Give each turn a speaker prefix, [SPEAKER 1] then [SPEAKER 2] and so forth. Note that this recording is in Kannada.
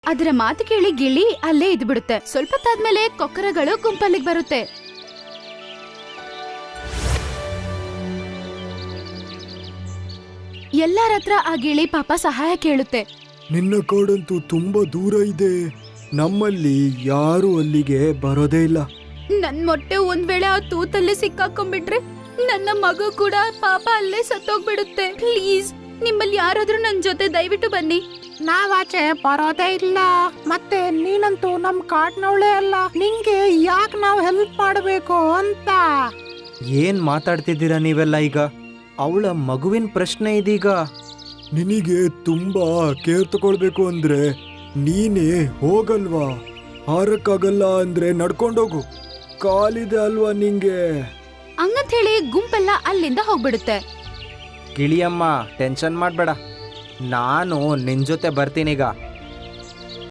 [SPEAKER 1] ಅದರ ಮಾತು ಕೇಳಿ ಗಿಳಿ ಅಲ್ಲೇ ಇದ್ಬಿಡುತ್ತೆ. ಸ್ವಲ್ಪ ಹೊತ್ತಾದ್ಮೇಲೆ ಕೊಕ್ಕರಗಳು ಗುಂಪಲ್ಲಿಗೆ ಬರುತ್ತೆ. ಎಲ್ಲರ ಹತ್ರ ಆ ಗಿಳಿ ಪಾಪ ಸಹಾಯ ಕೇಳುತ್ತೆ.
[SPEAKER 2] ನಿನ್ನ ಕಾಡಂತೂ ತುಂಬಾ ದೂರ ಇದೆ, ನಮ್ಮಲ್ಲಿ ಯಾರು ಅಲ್ಲಿಗೆ ಬರೋದೇ ಇಲ್ಲ.
[SPEAKER 1] ನನ್ ಮೊಟ್ಟೆ ಒಂದ್ ವೇಳೆ ಆ ತೂತಲ್ಲೇ ಸಿಕ್ಕಾಕೊಂಡ್ಬಿಟ್ರೆ ನನ್ನ ಮಗು ಕೂಡ ಪಾಪ ಅಲ್ಲೇ ಸತ್ತೋಗ್ಬಿಡುತ್ತೆ. ಪ್ಲೀಸ್ ನಿಮ್ಮಲ್ಲಿ ಯಾರಾದ್ರೂ ನನ್ ಜೊತೆ ದಯವಿಟ್ಟು ಬನ್ನಿ.
[SPEAKER 3] ನಾವಾಚೆ ಬರೋದೇ ಇಲ್ಲ, ಮತ್ತೆ ನೀನಂತೂ ನಮ್ ಕಾಡ್ನವಳೇ ಅಲ್ಲ, ನಿಂಗೆ ಯಾಕೆ ನಾವು ಹೆಲ್ಪ್ ಮಾಡಬೇಕು ಅಂತ.
[SPEAKER 4] ಏನ್ ಮಾತಾಡ್ತಿದ್ದೀರಾ ನೀವೆಲ್ಲ ಈಗ? ಅವಳ ಮಗುವಿನ ಪ್ರಶ್ನೆ ಇದೀಗ.
[SPEAKER 2] ನಿನಗೆ ತುಂಬಾ ಕೇರ್ ತಗೊಳ್ಬೇಕು ಅಂದ್ರೆ ನೀನೇ ಹೋಗಲ್ವಾ? ಹಾರಕ್ಕಾಗಲ್ಲ ಅಂದ್ರೆ ನಡ್ಕೊಂಡೋಗು, ಕಾಲಿದೆ ಅಲ್ವಾ ನಿಂಗೆ?
[SPEAKER 1] ಹಂಗಂತ ಹೇಳಿ ಗುಂಪೆಲ್ಲ ಅಲ್ಲಿಂದ ಹೋಗ್ಬಿಡುತ್ತೆ.
[SPEAKER 4] ಗಿಳಿಯಮ್ಮ, ಟೆನ್ಷನ್ ಮಾಡ್ಬೇಡ, ನಾನು ನಿನ್ ಜೊತೆ ಬರ್ತೀನೀಗ.